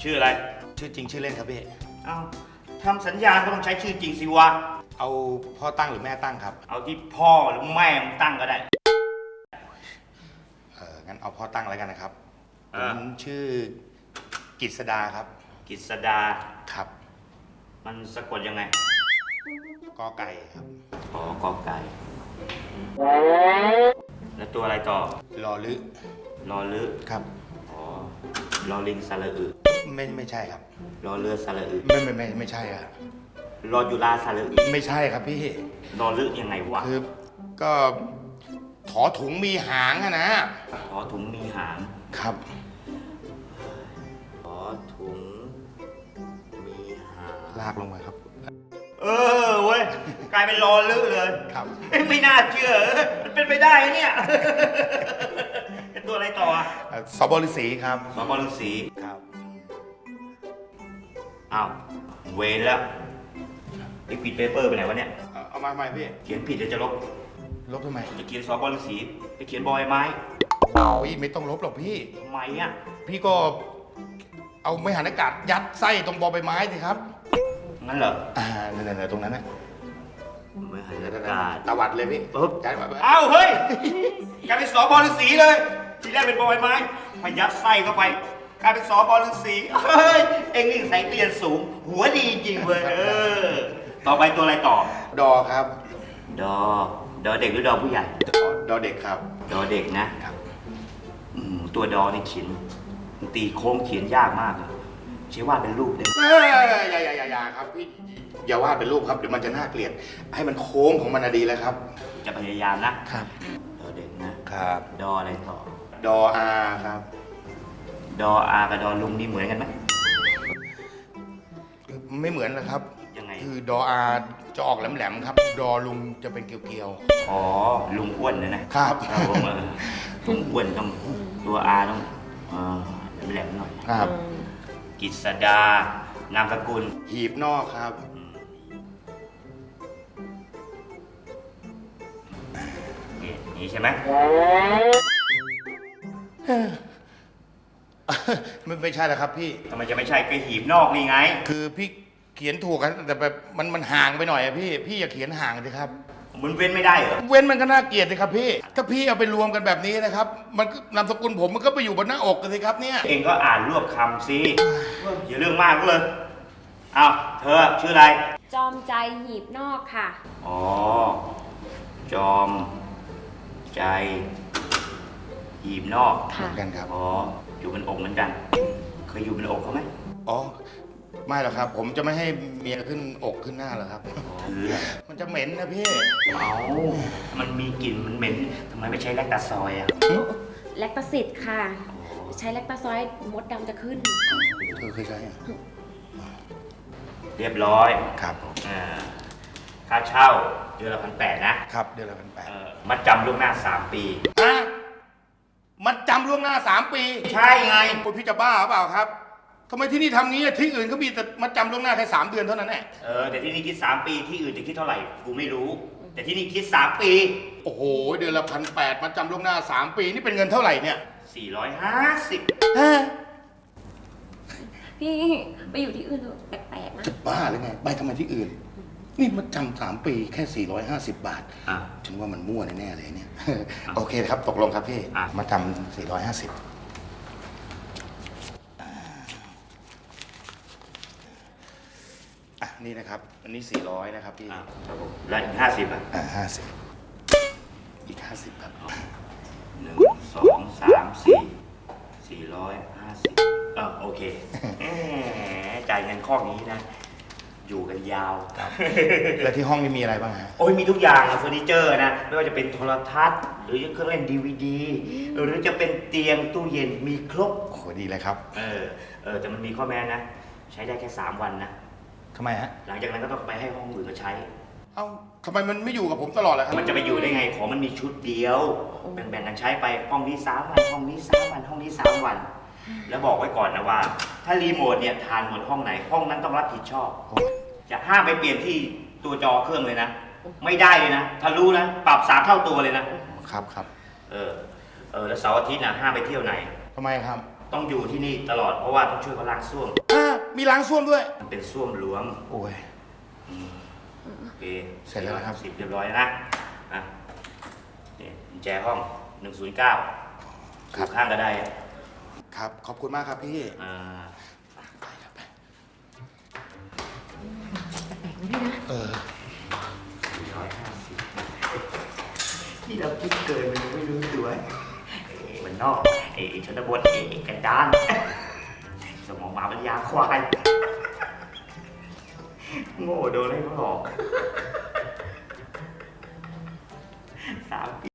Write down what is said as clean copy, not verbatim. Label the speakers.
Speaker 1: ชื่ออะไร
Speaker 2: ชื่อจริงชื่อเล่นครับพี่
Speaker 1: เอ้าทำสัญญาก็ต้องใช้ชื่อจริงสิวะ
Speaker 2: เอาพ่อตั้งหรือแม่ตั้งครับ
Speaker 1: เอาที่พ่อหรือแม่มึงตั้งก็ได้
Speaker 2: งั้นเอาพ่อตั้งแล้วกันนะครับผมชื่อกฤษดาครับ
Speaker 1: กฤษดา
Speaker 2: ครับ
Speaker 1: มันสะกดยังไง
Speaker 2: กอไก่ครับ
Speaker 1: อ๋อกอไก่แล้วตัวอะไรต่อ
Speaker 2: ลอลึ
Speaker 1: ลอลึ
Speaker 2: ครับ
Speaker 1: อ๋อลอลิงสระอึ
Speaker 2: ไม่ใช่ครับ
Speaker 1: ลอเรือสระอึ
Speaker 2: ไม่ใช่ครับ
Speaker 1: ลอจุฬาสระอึ
Speaker 2: ไม่ใช่ครับพี่
Speaker 1: ลอลึยังไงวะ
Speaker 2: คือก็ถอถุงมีหางอะนะ
Speaker 1: ถอถุงมีหาง
Speaker 2: ครับ
Speaker 1: ถอถุงมีหาง
Speaker 2: ลากลงมาครับ
Speaker 1: เว้ยกลายเป็นลอลึเลย
Speaker 2: ครับ
Speaker 1: ไม่น่าเชื่อมันเป็นไปได้เนี่ยเป็นตัวอะไรต่อ
Speaker 2: สบฤษีครับ
Speaker 1: สบฤษี
Speaker 2: ครับ
Speaker 1: อ้าวเวรแล้วไอ้ปิดเปเปอร์ไปไหนวะเนี่ย
Speaker 2: เอามาใหม่พี่
Speaker 1: เขียนผิดจะลบ
Speaker 2: ทำไม
Speaker 1: จะเขียนสบฤษีไปเขียนบอยไม้
Speaker 2: โอ้ยไม่ต้องลบหรอกพี่
Speaker 1: ทำไมอ่ะ
Speaker 2: พี่ก็เอาไม้หันอากาศยัดไส้ตรงบอใบไม้สิครับ
Speaker 1: งั้นเหรอ
Speaker 2: นั่นตรงนั้นนะ
Speaker 1: ไม้หันอากาศ
Speaker 2: ตวัดเลยพี่
Speaker 1: ย้ายมาอ้าวเฮ้ยกลายเป็นสบฤษีเลยทีแรกเป็นบอยไม้พยัดไส้เข้าไปกลายเป็นสบฤษีเฮ้ยเอ็งนี่ใส่เกลียนสูงหัวดีจริงเว้ยต่อไปตัวอะไรต่อ
Speaker 2: ดอครับ
Speaker 1: ดอเด็กหรือดอผู้ใหญ่
Speaker 2: ดอเด็กครับ
Speaker 1: ดอเด็กนะครับตัวดอในเขียนตีโค้งเขียนยากมากเลยใช้วาดเป็นรูปเลย
Speaker 2: อย่าครับพี่อย่าวาดเป็นรูปครับเดี๋ยวมันจะน่าเกลียดให้มันโค้งของมันดีแล้วครับ
Speaker 1: จะพยายามนะครับดอเด็กนะครับดออะไรต่อ
Speaker 2: ดออาครับ
Speaker 1: ดออากับดอลุงนี่เหมือนกันไหม
Speaker 2: ไม่เหมือนนะครับ
Speaker 1: ยังไง
Speaker 2: คือดออาจะออกแหลมๆครับดอลุงจะเป็นเกลียว
Speaker 1: ๆอ๋อลุงอ้วนนะครับผมลุงอ้วนต้องตัวอาต้องแหลมๆหน่อย
Speaker 2: ครับ
Speaker 1: กฤษดานามสกุล
Speaker 2: หีบนอกครับ
Speaker 1: นี่ใช่ไหม
Speaker 2: ไม่ใช่แล้วครับพี่
Speaker 1: ทำไมจะไม่ใช่ก็หีบนอกนี่ไง
Speaker 2: คือพี่เขียนถูกกันแต่แบบมันห่างไปหน่อยอะพี่อย่าเขียนห่างสิครับ
Speaker 1: มันเว้นไม่ได้เหรอ
Speaker 2: เว้นมันก็น่าเกลียดสิครับพี่ถ้าพี่เอาไปรวมกันแบบนี้นะครับมันนามสกุลผมมันก็ไปอยู่บนหน้าอกกันสิครับเนี่ย
Speaker 1: เองก็อ่านรวบคำสิอย่าเรื่องมากก็เลยอ้าวเธอชื่ออะไร
Speaker 3: จอมใจหีบนอกค่ะ
Speaker 1: อ๋อจอมใจหีบนอก
Speaker 2: เหมือนกันครับ
Speaker 1: อ๋ออยู่บนอกเหมือนกันเคยอยู่บนอกเขาไหม
Speaker 2: อ๋อไม่หรอกครับผมจะไม่ให้เมียขึ้นอกขึ้นหน้าหรอกครับมันจะเหม็นนะพี่
Speaker 1: มันมีกลิ่นมันเหม็นทำไมไม่ใช้แลคตาซอยอะ
Speaker 3: แลคตาซิดค่ะใช้แลคตาซอยมดดำจะขึ้น
Speaker 2: เธอเคยใช้อะ
Speaker 1: เรียบร้อย
Speaker 2: ครับ
Speaker 1: ค่าเช่าเดือนละ1,800
Speaker 2: นะครับเดือนละ1,800
Speaker 1: มัดจำล่วงหน้า3 ปี
Speaker 2: มัดจำล่วงหน้า3 ปี
Speaker 1: ใช่ไง
Speaker 2: คุณพี่จะบ้าหรือเปล่าครับทำไมที่นี่ทำงี้ที่อื่นเขามีแต่มัดจำล่วงหน้าแค่3 เดือนเท่านั้นแหละ
Speaker 1: แต่ที่นี่คิด3 ปีที่อื่นจะคิดเท่าไหร่กูไม่รู้แต่ที่นี่คิด3 ปี
Speaker 2: โอ้โหเดือนละ1,800มัดจำล่วงหน้า3 ปีนี่เป็นเงินเท่าไหร่เนี่ย
Speaker 1: 450
Speaker 3: พี่ไปอยู่ที่อื่นเถอะแปลกๆนะ
Speaker 2: จะบ้าหรือไงไปทำไมที่อื่นนี่มัดจำ3 ปีแค่450 บาทฉันว่ามันมั่วแน่ๆเลยเนี่ยโอเคครับตกลงครับพี่มัดจำ450นี่นะครับอันนี้400นะครับพี่
Speaker 1: ครับผมแล้วอีก50
Speaker 2: 50อีก50ครับ
Speaker 1: 1 2 3 4 450โอเคจ่ายเงินข้อนี้นะอยู่กันยาว
Speaker 2: แล้วที่ห้องนี้มีอะไรบ้างฮะ
Speaker 1: โอ้ยมีทุกอย่างเฟอร์นิเจอร์นะไม่ว่าจะเป็นโทรทัศน์หรือเครื่องเล่น DVD หรือจะเป็นเตียงตู้เย็นมีครบ
Speaker 2: โหดีเลยครับ
Speaker 1: แต่มันมีข้อแม้นะใช้ได้แค่3 วันนะ
Speaker 2: ทำไมฮะ
Speaker 1: หลังจากนั้นก็ต้องไปให้ห้องอื่นมาใช้
Speaker 2: เอ้าทำไมมันไม่อยู่กับผมตลอดเลยครับ
Speaker 1: มันจะไปอยู่ได้ไงของมันมีชุดเดียวแบ่งๆกันใช้ไปห้องนี้3 วันห้องนี้3 วันห้องนี้3 วันแล้วบอกไว้ก่อนนะว่าถ้ารีโมทเนี่ยทานหมดห้องไหนห้องนั้นต้องรับผิดชอบจะห้ามไปเปลี่ยนที่ตัวจอเครื่องเลยนะไม่ได้เลยนะถ้ารู้นะปรับ3 เท่าตัวเลยนะครับ
Speaker 2: แล้วเสาร์อาทิตย์
Speaker 1: นะห้ามไปเที่ยวไหน
Speaker 2: ทำไมครับ
Speaker 1: ต้องอยู่ที่นี่ตลอดเพราะว่าต้องช่วยเขาล้างส้วม
Speaker 2: มีล้างส้วมด้วย
Speaker 1: มันเป็นส้วมหลวง
Speaker 2: โอ้ย
Speaker 1: โอเค
Speaker 2: เสร็จแล้วนะครับ
Speaker 1: 10เรียบร้อยนะอ่ะนี่กุญแจห้อง 109
Speaker 2: ครับ
Speaker 1: ข้างก็ได้
Speaker 2: ครับ ขอบคุณมากครับพี่
Speaker 1: อ่า
Speaker 3: แปลกๆนะพี่นะ
Speaker 2: เออ
Speaker 1: 450ที่เราคิดเกินมันยังไม่รู้ตัวมันนอกชนบทกันดานสมองหมาปัญญาควายโง่โดนให้เขาหลอก3 ปี